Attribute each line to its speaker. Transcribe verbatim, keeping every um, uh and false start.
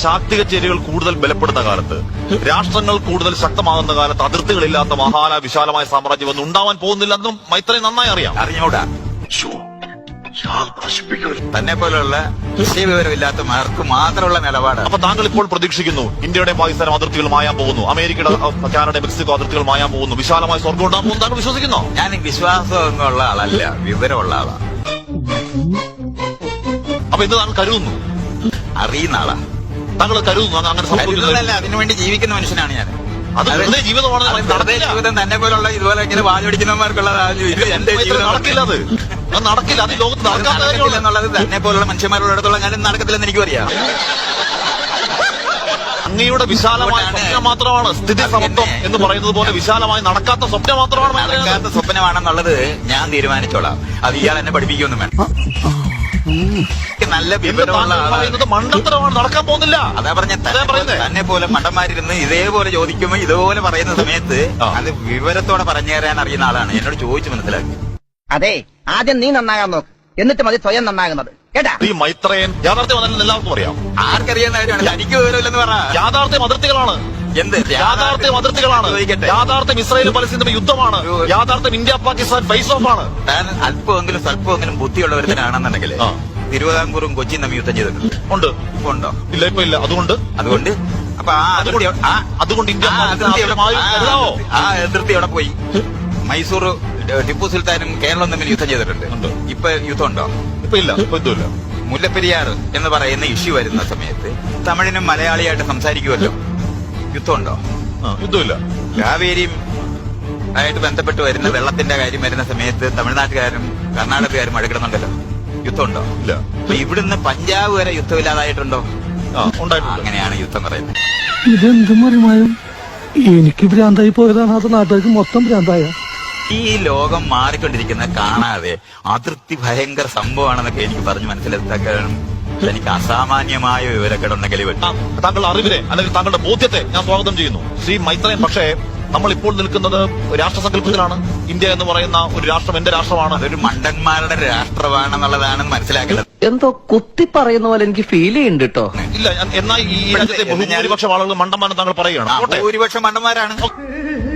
Speaker 1: ശാക്തിക ചേരികൾ കൂടുതൽ ബലപ്പെടുന്ന കാലത്ത്, രാഷ്ട്രങ്ങൾ കൂടുതൽ ശക്തമാകുന്ന കാലത്ത് അതിർത്തികളില്ലാത്ത മഹാല വിശാലമായ സാമ്രാജ്യം ഒന്നും ഉണ്ടാവാൻ പോകുന്നില്ലെന്നും മൈത്രേ നന്നായി അറിയാം.
Speaker 2: അറിഞ്ഞൂടാ. തന്നെ പോലുള്ള വിവരമില്ലാത്ത മാർക്ക് മാത്രമുള്ള നിലപാടാണ്.
Speaker 1: അപ്പൊ താങ്കൾ ഇപ്പോൾ പ്രതീക്ഷിക്കുന്നു ഇന്ത്യയുടെ പാകിസ്ഥാനും അതിർത്തികൾ മായാൻ പോകുന്നു, അമേരിക്കയുടെ കാനഡ മെക്സിക്കോ അതിർത്തികൾ മായാൻ പോകുന്നു, വിശാലമായ സ്വർഗം ഉണ്ടാകും പോകുന്നു താങ്കൾ വിശ്വസിക്കുന്നോ?
Speaker 2: ഞാൻ വിശ്വാസമൊന്നുള്ള ആളല്ല, വിവരമുള്ള ആളാ.
Speaker 1: അപ്പൊ ഇത് താങ്കൾ കരുതുന്നു?
Speaker 2: അറിയുന്ന ആളാ.
Speaker 1: താങ്കൾ കരുതുന്നു അങ്ങനെ
Speaker 2: സംഭവിക്കുന്നതല്ല, അതിനുവേണ്ടി ജീവിക്കുന്ന മനുഷ്യനാണ് ഞാൻ.
Speaker 1: അത് വെറുതെ ജീവിതമാണ്.
Speaker 2: ജീവിതം തന്നെ പോലുള്ള ഇതുപോലെ ഇങ്ങനെ വാചടിക്കുന്നവർക്കുള്ളതാണ്. എന്റെ ജീവിതം
Speaker 1: നടക്കില്ല, അത് അത് നടക്കില്ല. അത് ലോകത്ത് നടക്കാത്ത
Speaker 2: എന്നുള്ളത് തന്നെ പോലുള്ള മനുഷ്യന്മാരോടത്തോളം ഞാൻ നടക്കത്തില്ലെന്ന് എനിക്ക് അറിയാം.
Speaker 1: അങ്ങയുടെ വിശാലമായ സ്വപ്നം മാത്രമാണ് സ്ഥിതി സമത്വം എന്ന് പറയുന്നത് പോലെ വിശാലമായി നടക്കാത്ത സ്വപ്നം മാത്രമാണ്.
Speaker 2: നടക്കാത്ത സ്വപ്നമാണെന്നുള്ളത് ഞാൻ തീരുമാനിച്ചോളാം. അത് ഇയാൾ എന്നെ പഠിപ്പിക്കൊന്നും വേണം. നല്ല വിവരമുള്ള
Speaker 1: പറയുന്നത് മണ്ടത്തരമാണ്, നടക്കാൻ പോകുന്നില്ല.
Speaker 2: അതാ പറഞ്ഞ തന്നെ പോലെ മണ്ടന്മാരിരുന്ന് ഇതേപോലെ ചോദിക്കുമ്പോ ഇതുപോലെ പറയുന്ന സമയത്ത് അത് വിവരത്തോടെ പറഞ്ഞു തരാൻ അറിയുന്ന ആളാണ്. എന്നോട് ചോദിച്ചു മനസ്സിലാക്കി.
Speaker 3: അതെ, ആദ്യം നീ നന്നാകാൻ നോക്ക്, എന്നിട്ട് മതി സ്വയം നന്നാകുന്നത്. കേട്ടാ?
Speaker 1: ഈ മൈത്രേയൻ യാഥാർത്ഥ്യം എല്ലാവർക്കും അറിയാം.
Speaker 2: ആർക്കറിയാവുന്ന കാര്യമാണ്. എനിക്ക് വിവരമില്ലെന്ന് പറ.
Speaker 1: യാഥാർത്ഥ്യം അതിർത്തികളാണ്.
Speaker 2: എന്ത്
Speaker 1: യാഥാർത്ഥ്യം അതിർത്തികളാണ്. യാഥാർത്ഥ്യം ഇസ്രായേൽ പലസ്തീൻ യുദ്ധമാണ്. യാഥാർത്ഥ്യം ഇന്ത്യ പാകിസ്ഥാൻ ഫേസ് ഓഫ് ആണ്.
Speaker 2: താൻ അല്പമെങ്കിലും സ്വല്പമെങ്കിലും ബുദ്ധിയുള്ളവരുത്തനാണെന്നുണ്ടെങ്കിൽ തിരുവിതാംകൂറും കൊച്ചിയും തമ്മിൽ യുദ്ധം ചെയ്തിട്ടുണ്ട്.
Speaker 1: ഉണ്ട്.
Speaker 2: ഉണ്ടോ?
Speaker 1: ഇല്ല, ഇപ്പൊ ഇല്ല. അതുകൊണ്ട്
Speaker 2: അതുകൊണ്ട് അപ്പൊ ആ അതിർത്തി
Speaker 1: അതുകൊണ്ട് ഇന്ത്യ
Speaker 2: ആ അതിർത്തി അവിടെ പോയി. മൈസൂർ ടിപ്പു സുൽത്താനും കേരളവും തമ്മിൽ യുദ്ധം ചെയ്തിട്ടുണ്ട്. ഇപ്പൊ യുദ്ധം ഉണ്ടോ?
Speaker 1: ഇപ്പൊ ഇല്ല, ഇപ്പൊ ഇതുമില്ല.
Speaker 2: മുല്ലപ്പെരിയാർ എന്ന് പറയുന്ന ഇഷ്യൂ വരുന്ന സമയത്ത് തമിഴിനും മലയാളിയായിട്ട് സംസാരിക്കുമല്ലോ. യുദ്ധമുണ്ടോ?
Speaker 1: യുദ്ധമില്ല.
Speaker 2: കാവേരിയും ആയിട്ട് ബന്ധപ്പെട്ട് വരുന്ന വെള്ളത്തിന്റെ കാര്യം വരുന്ന സമയത്ത് തമിഴ്നാട്ടുകാരും കർണാടകക്കാരും അടുക്കണമെന്നുണ്ടല്ലോ. യുദ്ധമുണ്ടോ?
Speaker 1: ഇല്ല.
Speaker 2: അപ്പൊ ഇവിടുന്ന് പഞ്ചാബ് വരെ യുദ്ധമില്ലാതായിട്ടുണ്ടോ?
Speaker 1: ഉണ്ടായിട്ടുണ്ട്.
Speaker 2: അങ്ങനെയാണ് യുദ്ധം പറയുന്നത്.
Speaker 4: ഇതെന്തും മറിമായും എനിക്ക് ഭ്രാന്തായി പോയതാണ്, അത് നാട്ടുകാർക്ക് മൊത്തം ഭ്രാന്തായ.
Speaker 2: ഈ ലോകം മാറിക്കൊണ്ടിരിക്കുന്ന കാണാതെ അതിർത്തി ഭയങ്കര സംഭവമാണെന്നൊക്കെ എനിക്ക് പറഞ്ഞ് മനസ്സിലാക്കാനും എനിക്ക് അസാമാന്യമായ വിവരക്കേടുണ്ടെങ്കിൽ
Speaker 1: താങ്കൾ അറിവിനെ അല്ലെങ്കിൽ താങ്കളുടെ ബോധ്യത്തെ ഞാൻ സ്വാഗതം ചെയ്യുന്നു ശ്രീ മൈത്രേയൻ. പക്ഷേ നമ്മൾ ഇപ്പോൾ നിൽക്കുന്നത് രാഷ്ട്രസങ്കല്പത്തിലാണ്. ഇന്ത്യ എന്ന് പറയുന്ന ഒരു രാഷ്ട്രം എന്റെ രാഷ്ട്രമാണ്.
Speaker 2: അതൊരു മണ്ടന്മാരുടെ രാഷ്ട്രമാണെന്നുള്ളതാണ് മനസ്സിലാക്കുന്നത്.
Speaker 3: എന്തോ കുത്തി പറയുന്ന പോലെ എനിക്ക് ഫീൽ ചെയ്യുന്നുണ്ട് കേട്ടോ.
Speaker 1: ഇല്ല, എന്നാൽ ഈ രാജ്യത്തെ ഭൂരിപക്ഷം ആളുകൾ മണ്ടന്മാരെന്ന് താങ്കൾ പറയുകയാണ്.
Speaker 2: ഭൂരിപക്ഷം മണ്ടന്മാരാണ്.